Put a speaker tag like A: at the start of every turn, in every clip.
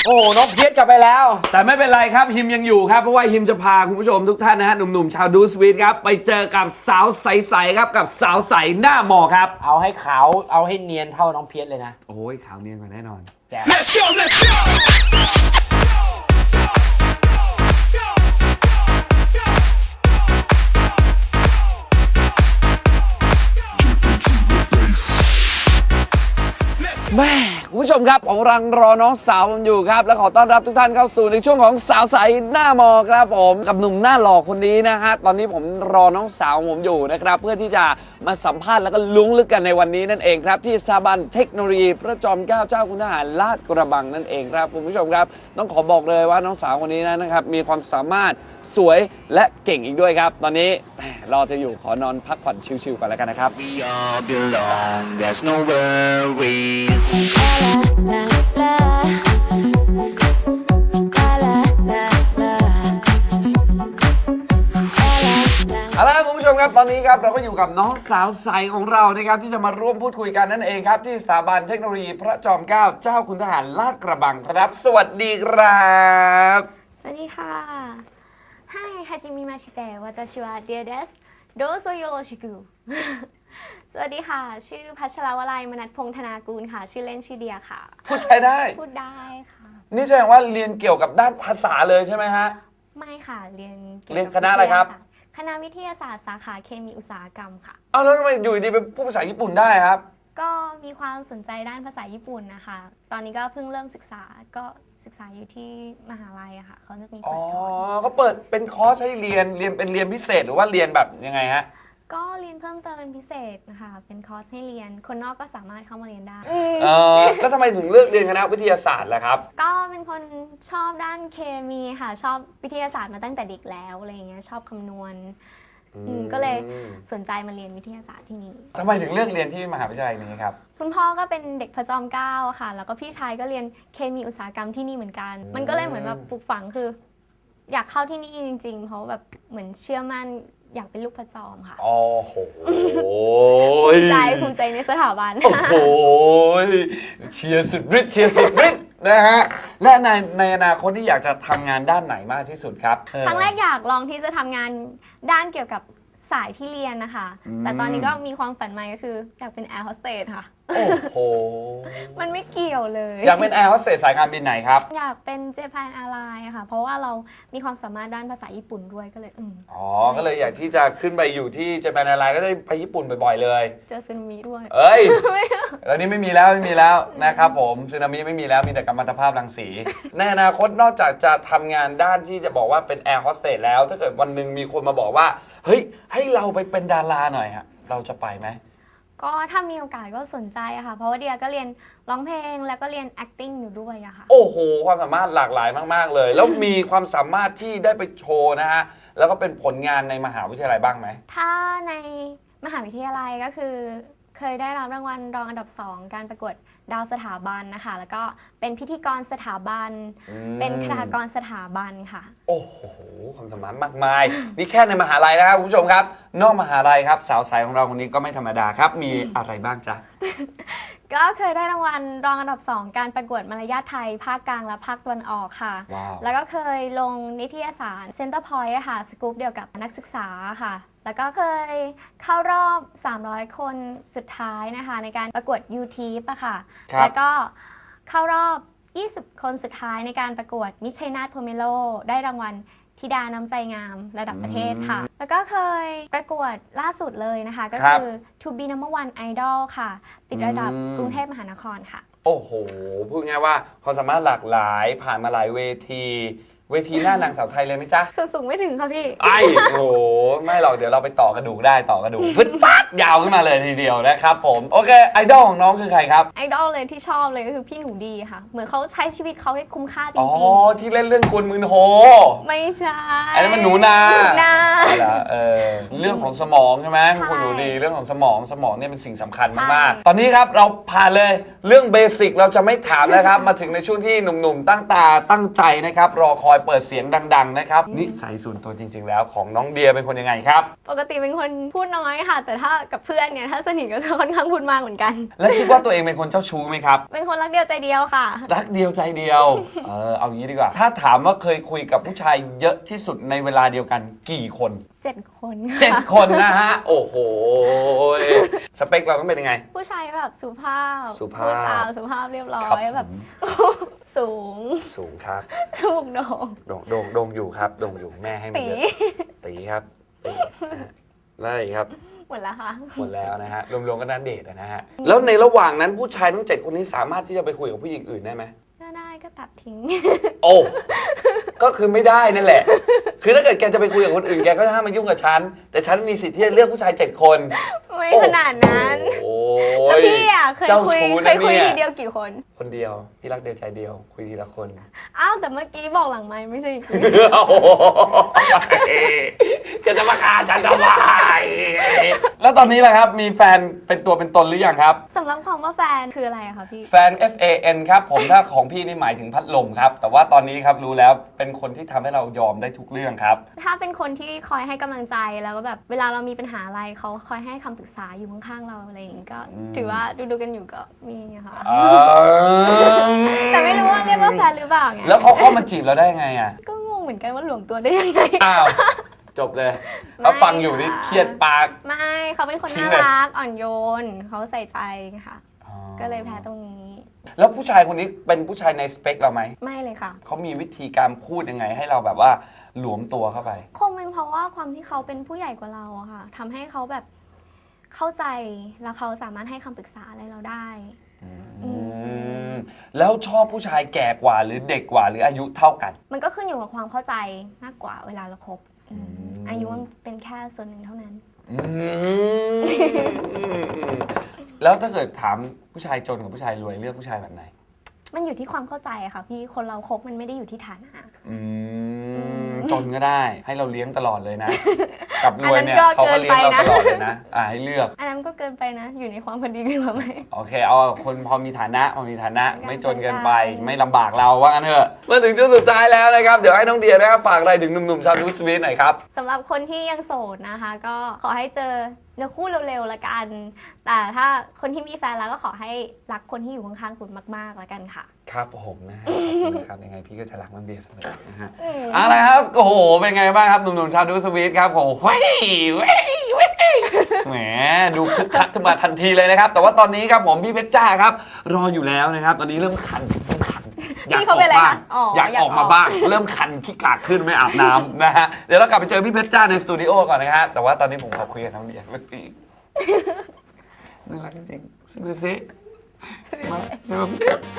A: โอ้น้องเพียรกลับไปแล้ว
B: แต่ไม่เป็นไรครับฮิมยังอยู่ครับเพราะว่าฮิมจะพาคุณผู้ชมทุกท่านนะฮะหนุ่มๆชาวดูสวีทครับไปเจอกับสาวใสๆครับกับสาวใสหน้าหมอครับ
A: เอาให้ขาวเอาให้เนียนเท่าน้องเพียรเลยนะ
B: โอ้ยขาวเนียนกว่าแน่นอน
A: แจ๋ว
C: Let's go, let's go.
B: แม่คุณผู้ชมครับผมกำลังรอน้องสาวผมอยู่ครับและขอต้อนรับทุกท่านเข้าสู่ในช่วงของสาวใสหน้ามอครับผมกับหนุ่มหน้าหล่อคนนี้นะฮะตอนนี้ผมรอน้องสาวผมอยู่นะครับเพื่อที่จะมาสัมภาษณ์แล้วก็ลุ้งลึกกันในวันนี้นั่นเองครับที่สถาบันเทคโนโลยีพระจอมเกล้าเจ้าคุณทหารลาดกระบังนั่นเองครับคุณผู้ชมครับต้องขอบอกเลยว่าน้องสาวคนนี้นะครับมีความสามารถสวยและเก่งอีกด้วยครับตอนนี้รอจะอยู่ขอนอนพักผ่อนชิลๆก่อนแล้วกันนะครับ
C: We all belong, there's no worries.
B: เอาละคุณผู้ชมครับตอนนี้ครับเราก็อยู่กับน้องสาวใสของเรานะครับที่จะมาร่วมพูดคุยกันนั่นเองครับที่สถาบันเทคโนโลยีพระจอมเกล้าเจ้าคุณทหารลาดกระบังครับสวัสดีครับ
D: สวัสดีค่ะはい、はじめまして。私はเดียです。どうぞよろしく สวัสดีค่ะ ชื่อพัชรวลัยมนัสพงษ์ธนากูลค่ะ ชื่อเล่นชื่อเดียค่ะ
B: พูดไทยได้
D: พูดได้ค่ะ
B: นี่แสดงว่าเรียนเกี่ยวกับด้านภาษาเลยใช่ไหมฮะ
D: ไม่ค่ะ เรียนกี่ยว
B: เรียน
D: กับ
B: คณะอะไรครับ
D: คณะวิทยาศาสตร์สาขาเคมีอุตสาหกรรมค่ะ
B: อ้าวแล้วทำไมอยู่ดีเป็นผู้ภาษาญี่ปุ่นได้ครับ
D: ก็มีความสนใจด้านภาษาญี่ปุ่นนะคะ ตอนนี้ก็เพิ่งเริ่มศึกษา ก็ศึกษาอยู่ที่มหาลัยอะค่ะ เขาจะมี
B: อ๋
D: เปิ
B: อ
D: ดสอน
B: เขาเปิดเป็นคอร์สให้เรียนเป็นเรียนพิเศษหรือว่าเรียนแบบยังไงฮะ
D: ก็เรียนเพิ่มเติมเป็นพิเศษนะคะ เป็นคอร์สให้เรียน คนนอกก็สามารถเข้ามาเรียนได้
B: แล้วทำไมถึงเลือกเรียนคณะวิทยาศาสตร์ล่ะครับ
D: ก็เป็นคนชอบด้านเคมีค่ะ ชอบวิทยาศาสตร์มาตั้งแต่เด็กแล้วอะไรอย่างเงี้ยชอบคำนวณก็เลยสนใจมาเรียนวิทยาศาสตร์ที่นี่
B: ทำไมถึงเลือกเรียนที่มหาวิทยาลัยนี้ครับ
D: คุณพ่อก็เป็นเด็กพระจอมเกล้าค่ะ แล้วก็พี่ชายก็เรียนเคมีอุตสาหกรรมที่นี่เหมือนกัน มันก็เลยเหมือนแบบปลูกฝังคือ อยากเข้าที่นี่จริงๆ เพราะแบบเหมือนเชื่อมั่นอยากเป็นลูกพระจอมค่ะ
B: โอ้โห
D: ภูมิใจในสถาบัน
B: โอ้โหเชียร์สุดฤทธิ์เชียร์สุดฤทธิ์นะฮะและในอนาคตที่อยากจะทำงานด้านไหนมากที่สุดครับ
D: ครั้งแรกอยากลองที่จะทำงานด้านเกี่ยวกับสายที่เรียนนะคะ แต่ตอนนี้ก็มีความฝันใหม่ก็คืออยากเป็นแอร์โฮสเตสค่ะ
B: โอ้โห
D: มันไม่เกี่ยวเลย
B: อยากเป็นแอร์โฮสเตสสายการบินไหนครับ
D: อยากเป็นเจแปนแอร์ไลน์ค่ะ เพราะว่าเรามีความสามารถด้านภาษาญี่ปุ่นด้วยก็เลย
B: อ๋อ ก็เลยอยากที่จะขึ้นไปอยู่ที่เจแปนแอร์ไลน์ก็ได้ไปญี่ปุ่นบ่อยๆเลย
D: เจอซึนามิด้วย
B: เอ้ย ตอนนี้ไม่มีแล้วนะครับผมสึนามิไม่มีแล้วมีแต่กัมมันตภาพรังสี ในอนาคตนอกจากจะทำงานด้านที่จะบอกว่าเป็นแอร์โฮสเตสแล้ว ถ้าเกิดวันหนึ่งมีคนมาบอกว่าเฮ้ยให้เราไปเป็นดาราหน่อยฮะเราจะไปไหม
D: ก็ถ้ามีโอกาสก็สนใจอะค่ะ เพราะว่าเดียก็เรียนร้องเพลงแล้วก็เรียน acting อยู่ด้วยอะค่ะ
B: โอ้โหความสามารถหลากหลายมากๆเลย แล้วมีความสามารถที่ได้ไปโชว์นะฮะแล้วก็เป็นผลงานในมหาวิทยาลัยบ้างไหม
D: ถ้าในมหาวิทยาลัยก็คือเคยได้รับรางวัลรองอันดับ 2 การประกวดดาวสถาบันนะคะ แล้วก็เป็นพิธีกรสถาบัน เป็นคณากรสถาบันค่ะ
B: โอ้โหความสามารถมากมาย นี่แค่ในมหาลัยนะครับคุณผู้ชมครับ นอกมหาลัยครับสาวใสของเราคนนี้ก็ไม่ธรรมดาครับ มีอะไรบ้างจ๊ะ
D: ก็เคยได้รางวัลรองอันดับ 2 การประกวดมารยาทไทย ภาคกลางและภาคตะวันออกค่ะ
B: ว้าว
D: แล้วก็เคยลงนิตยสาร Center Point อะค่ะ สกู๊ปเดียวกับนักศึกษาค่ะ แล้วก็เคยเข้ารอบ 300 คนสุดท้ายนะคะ ในการประกวด YouTube อะค่ะ แล้วก็เข้ารอบ 20 คนสุดท้ายในการประกวดมิชชัยนาทโพเมโลได้รางวัลธิดาน้ำใจงามระดับประเทศค่ะ แล้วก็เคยประกวดล่าสุดเลยนะคะ ก็คือ To be number one idol ค่ะ ติดระดับกรุงเทพมหานครค่ะ
B: โอ้โหพูดง่ายว่าความสามารถหลากหลายผ่านมาหลายเวทีหน้านางสาวไทยเลยไหมจ๊ะ
D: ส่วนสูงไม่ถึงค่ะพี่
B: ไอ้โอ้โหไม่หรอกเดี๋ยวเราไปต่อกระดูกได้ต่อกระดูกฟึดฟัดยาวขึ้นมาเลยทีเดียวนะครับผมโอเคไอดอลของน้องคือใครครับ
D: ไอดอลเลยที่ชอบเลยก็คือพี่หนูดีค่ะ เหมือนเขาใช้ชีวิตเขาได้คุ้มค่าจ
B: อ๋อ
D: ริง
B: ที่เล่นเรื่องกวนมืนโฮ
D: ๆ ไม่ใช่
B: อันนั้นมันหนูนา
D: หนูนา
B: เรื่องของสมองใช่ไหม
D: ใช่
B: คุณหนูดีเรื่องของสมองเนี่ยเป็นสิ่งสำคัญมากๆตอนนี้ครับเราผ่านเลยเรื่องเบสิกเราจะไม่ถามแล้วครับ มาถึงในช่วงที่หนุ่มๆตั้งตาตั้งใจนะครับรอคอยเปิดเสียงดังๆนะครับนิสัยส่วนตัวจริง ๆ แล้วของน้องเดียเป็นคนยังไงครับ
D: ปกติเป็นคนพูดน้อยค่ะ แต่ถ้ากับเพื่อนเนี่ยถ้าสนิทก็จะค่อนข้างพูดมากเหมือนกัน
B: และคิดว่าตัวเองเป็นคนเจ้าชู้ไหมครับ
D: เป็นคนรักเดียวใจเดียวค่ะ
B: รักเดียวใจเดียวเอางี้ดีกว่า ถ้าถามว่าเคยคุยกับผู้ชายเยอะที่สุดในเวลาเดียวกันกี่คน
D: 7 คน
B: 7 คนนะฮะโอ้โหสเปคเราต้องเป็นยังไง
D: ผู้ชายแบบสุภาพ
B: สุภาพ
D: พูดจาสุภาพเรียบร้อ
B: ครับ
D: ยแบบ สูง
B: สูงครับ
D: ชูกโดง
B: โด่งอยู่ครับโด่งอยู่แม่ให้มา
D: ตี
B: เยอะตีครับตีนะฮะแล้วอะไรอีกครับ
D: หมดแล้วค่ะ
B: หมดแล้วนะฮะรวมๆก็น่าเดทนะฮะแล้วในระหว่างนั้นผู้ชายทั้ง 7 คนนี้สามารถที่จะไปคุยกับผู้หญิงอื่นได้ไหม
D: ถ้าได้ก็ตัดทิ้ง
B: โอ้ก็คือไม่ได้นั่นแหละ คือถ้าเกิดแกจะไปคุยกับคนอื่นแกก็ห้ามมายุ่งกับฉันแต่ฉันมีสิทธิ์ที่จะเลือกผู้ชาย7 คน
D: ไม่ขนาดนั้น
B: โอ้
D: แล้ว
B: ย
D: พี่อ่ะเคย
B: เจ้า
D: คุย
B: ชู้
D: เค
B: นะ
D: ยคุย
B: เนี่ย
D: ทีเดียวกี่คน
B: คนเดียวพี่รักเดียวใจเดียวคุยทีละคน
D: อ้าวแต่เมื่อกี้บอกหลังไม้ไม่ใช่อีกที
B: โอ้โหแกจะมาฆ่าฉันทำไมแล้วตอนนี้แหละครับมีแฟนเป็นตัวเป็นตนหรือยังครับ
D: สำหรับคำว่าแฟนคืออะไรอะคะพี่
B: แฟน FAN ครับผมถ้าของพี่นี่หมายถึงพัดลมครับแต่ว่าตอนนี้ครับรู้แล้วเป็นคนที่ทำให้เรายอมได้ทุกเรื่องครับ
D: ถ้าเป็นคนที่คอยให้กำลังใจแล้วก็แบบเวลาเรามีปัญหาอะไรเขาคอยให้คำปรึกษาอยู่ข้างๆเราอะไรอย่างงี้ก็ถือว่าดูกันอยู่ก็มีอะค่ะ แต่ไม่รู้ว่าเรียกว่าแฟนหรือเปล่าไง
B: แล้วเขาเข้ามาจีบเราได้ไงอ่ะ
D: ก็งงเหมือนกันว่าหลวมตัวได้ยังไง
B: อ้าว จบเลยถ้าฟังอยู่นี่เครียดปาก
D: ไม่เขาเป็นคน
B: ทิ้ง
D: น่า
B: เลย
D: รักอ่อนโยนเขาใส่ใจค่ะ ก็เลยแพ้ตรงนี้
B: แล้วผู้ชายคนนี้เป็นผู้ชายในสเปคเราไหม
D: ไม่เลยค่ะ
B: เขามีวิธีการพูดยังไงให้เราแบบว่าหลวมตัวเข้าไป
D: คงเป็นเพราะว่าความที่เขาเป็นผู้ใหญ่กว่าเราอะค่ะทำให้เขาแบบเข้าใจแล้วเขาสามารถให้คำปรึกษาอะไรเราได้
B: แล้วชอบผู้ชายแก่กว่าหรือเด็กกว่าหรืออายุเท่ากัน
D: มันก็ขึ้นอยู่กับความเข้าใจมากกว่าเวลาเราคบอายุมันเป็นแค่ส่วนหนึ่งเท่านั้น
B: แล้วถ้าเกิดถามผู้ชายจนกับผู้ชายรวยเลือกผู้ชายแบบไหน
D: มันอยู่ที่ความเข้าใจอะค่ะพี่คนเราคบมันไม่ได้อยู่ที่ฐานะ
B: จนก็ได้ให้เราเลี้ยงตลอดเลยนะ กับรวยเนี่ย
D: อันนั้นก็
B: เขาก็เลี้ยงเรา
D: เกินไปนะ
B: ตลอดเลยนะให้เลือก
D: อันนั้นก็เกินไปนะ อยู่ในความพอดีกันหรือไหม
B: โอเคเอาคนพอมีฐานะไม่จนเกินไป
D: กลางๆ
B: ไม่ลำบากเราว่างั้นเถอะมาถึงช่วงสุดท้ายแล้วนะครับเดี๋ยวให้น้องเดียนะครับฝากอะไรถึงหนุ่มๆชาวดูสวีทหน่อยครับ
D: สำหรับคนที่ยังโสดนะคะ ก็ขอให้เจอเนื้อคู่เร็วๆละกัน แต่ถ้าคนที่มีแฟนแล้วก็ขอให้รักคนที่อยู่ข้างๆคุณมากๆละกันค่ะ
B: ครับผมนะฮะขอบคุณนะครับยังไงพี่ก็จะรักน้องเดียเสมอนะฮะเอาละครับโอ้โหเป็นไงบ้างครับหนุ่มๆชาวดูสวีทครับโอ้โหเว้ยแหมดูคึกคักขึ้นมาทันทีเลยนะครับแต่ว่าตอนนี้ครับผมพี่เพชรจ้าครับรออยู่แล้วนะครับตอนนี้เริ่มคันอยาก
D: พี่
B: อ
D: เขา
B: อก
D: เป็นอะไร
B: บ้าง
D: คะอ๋อ
B: อยาก
D: อยาก
B: ออกมา
D: ออก
B: บ้างเริ่มคันขี้กากขึ้นไม่อาบน้ำนะฮะเดี๋ยวเรากลับไปเจอพี่เพชรจ้าในสตูดิโอก่อนนะฮะแต่ว่าตอนนี้ผมขอคุยกับน้องเดียเมื่อกี้น่ารักจริงๆซิมาซิมาซิมา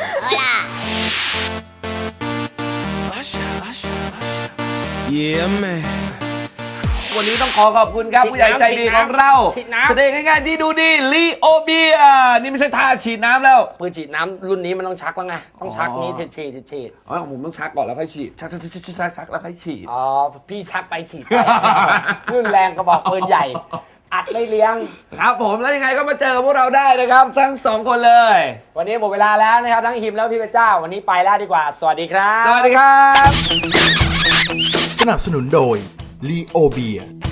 C: Yeah, man.
B: วันนี้ต้องขอขอบคุณครับผู้ใหญ่ใจดีของเรา
A: ฉีดน้ำ
B: แสดงง่ายๆที่ดูดีลีโอเบียนี่ไม่ใช่ท่าฉีดน้ำแล้ว
A: ปืนฉีดน้ำรุ่นนี้มันต้องชักแล้วไงต้องชักนี้ฉีด
B: อ๋อผมต้องชักก่อนแล้วค่อยฉีดชักแล้วค่อยฉีด
A: อ๋อพี่ชักไปฉีดไป รุ่นแรงกระบอกปืนใหญ่ อัดไม่เลี้ยง
B: ครับผมแล้วยังไงก็มาเจอกับพวกเราได้นะครับทั้งสองคนเลย
A: วันนี้หมดเวลาแล้วนะครับทั้งฮิมแล้วพี่เพชรจ้าวันนี้ไปแล้วดีกว่า สวัสดีครับ
B: สวัสดีครับ
C: สนับสนุนโดย Leo Beer